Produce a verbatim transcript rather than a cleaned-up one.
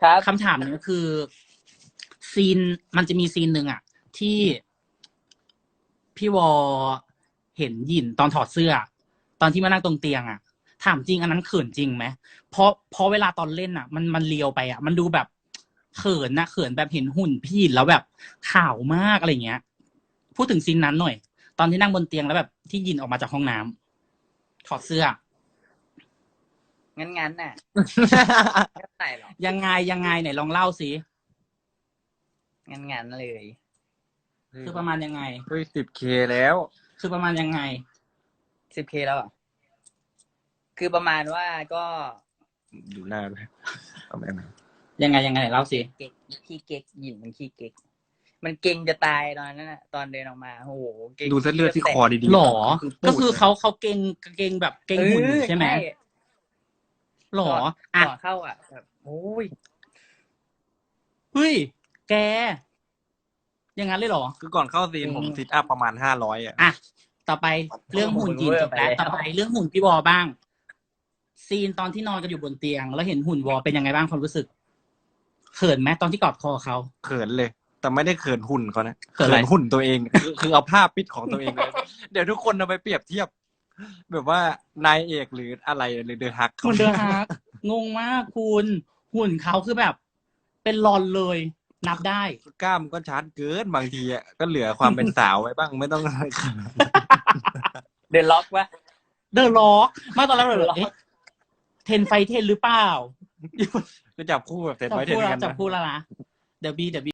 ครับคำถามนี้คือซีนมันจะมีซีนหนึ่งอะที่พี่วอเห็นหยินตอนถอดเสื้อตอนที่มานั่งตรงเตียงอะถามจริงอันนั้นเขินจริงไหมเพราะเพราะเวลาตอนเล่นอะมันมันเลียวไปอะมันดูแบบเขินนะเขินแบบเห็นหุ่นพี่หยินแล้วแบบขาวมากอะไรเงี้ยพูดถึงซีนนั้นหน่อยตอนที่นั่งบนเตียงแล้วแบบที่หยินออกมาจากห้องน้ำถอดเสื้องั้นงั้นน่ะไม่ใส่หรอกยังไงยังไงไหนลองเล่าสิงั้นงั้นเลยคือประมาณยังไงเฮ้ยสิบเคแล้วคือประมาณยังไงสิบเคแล้วอ่ะคือประมาณว่าก็ดูหน้าไปเอาแบบไหนยังไงยังไงไหนเล่าสิเก๊กขี้เก๊กหยินมันขี้เก๊กมันเก่งจะตายตอนนั้นน่ะตอนเดินออกมาโอ้โหเก่งดูเส้นเลือดที่คอดีๆหรอปูดก็คือเขาเขาเก่งเก่งแบบเก่งหุ่นอยู่ใช่ไหมหรออ่ะก่อนเข้าอ่ะแบบโอ้ยเฮ้ยแกอย่างนั้นเลยเหรอคือก่อนเข้าซีนผมซิทอัพประมาณห้าร้อยอ่ะอ่ะต่อไปเรื่องหุ่นจีนจบแล้วต่อไปเรื่องหุ่นพี่วอบ้าง ซีนตอนที่นอนกันอยู่บนเตียง แล้วเห็นหุ่นวอเป็นยังไงบ้างความรู้สึกเขินไหมตอนที่กอดคอเขาเขินเลย แต่ไม่ได้เขินหุ่นเขานะเขินอะไรหุ่นตัวเองคือคือเอาภาพปิดของตัวเองเลย เดี๋ยวทุกคนเอาไปเปรียบเทียบ แบบว่านายเอกหรืออะไรหรือเดอะฮักเหมือนเดิมฮะงงมากคุณหุ่นเขาคือแบบ เป็นรอนเลย นับได้กล้ามก็ชัดเกินบางทีอ่ะก็เหลือความเป็นสาวไว้บ้างไม่ต้องอะไรขนาดนั้นเดินล็อกวะเดอะล็อกมาตอนแรกเลยเอ๊ะเทนไฟเทนหรือเปล่าก็จับคู่แบบเสร็จจับไว้เทคู่นแล้วกันจับนะคู่แล้วนะเดี๋ยวบีเดี๋ยวบี